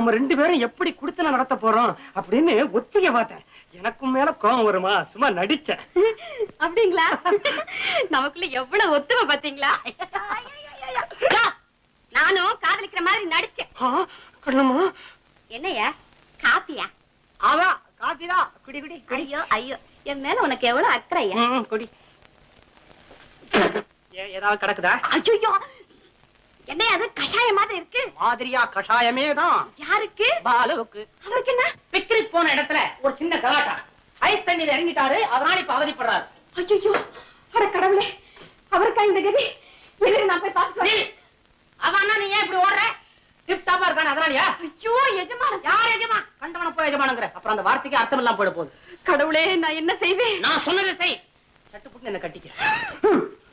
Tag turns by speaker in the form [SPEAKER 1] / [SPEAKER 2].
[SPEAKER 1] நாம 2 பேரும் எப்படி குடுத்தன நடத்த போறோம் அப்படின்னு ஒத்திகை பார்த்தேன். எனக்கும் மேல கோபம் வருமா? சும்மா நடிச்சேன்.
[SPEAKER 2] அப்படிங்களா? நமக்குள்ள எவ்வளவு ஒத்துமை பாத்தீங்களா? நானும் காதலிக்கிற மாதிரி நடிச்சேன்.
[SPEAKER 1] கண்ணம்மா,
[SPEAKER 2] என்னையா காப்பியா?
[SPEAKER 1] அதான் காப்பிதான். குடி குடி.
[SPEAKER 2] ஐயோ ஐயோ, என் மேல உனக்கு எவ்வளவு அக்கறையா?
[SPEAKER 1] குடி. ஏதாவது கிடக்குதா?
[SPEAKER 2] ஐயோ, என்ன அது கஷாயம் மாதிரி இருக்கு?
[SPEAKER 1] மாதிரியா கஷாயமே தான்.
[SPEAKER 2] யாருக்கு?
[SPEAKER 1] பாலுவுக்கு.
[SPEAKER 2] அவருக்கு என்ன?
[SPEAKER 1] பிக்னிக் போன இடத்துல ஒரு சின்ன கலாட்டா. ஐஸ் தண்ணியில இறங்கிட்டாரு, அதனால இப்ப அவதிப்படுறாரு.
[SPEAKER 2] ஐயோ, அட கடவுளே, அவருக்கா இந்த கதி? எதிரி நான் போய் பார்த்து.
[SPEAKER 1] அவன் நீ ஏன் இப்படி ஓடுற? டிப் டாப்பா இருக்கானே அதனாலயா?
[SPEAKER 2] ஐயோ எஜமான.
[SPEAKER 1] யார் எஜமா? கண்டவன போய் எஜமானுங்கற. அப்புறம் அந்த வார்த்தைக்கு அர்த்தம் இல்லாம போயிட போகுது.
[SPEAKER 2] கடவுளே, நான் என்ன செய்வேன்?
[SPEAKER 1] நான் சொன்னதை செய். சட்டு புட்டு என்ன கட்டிக்க.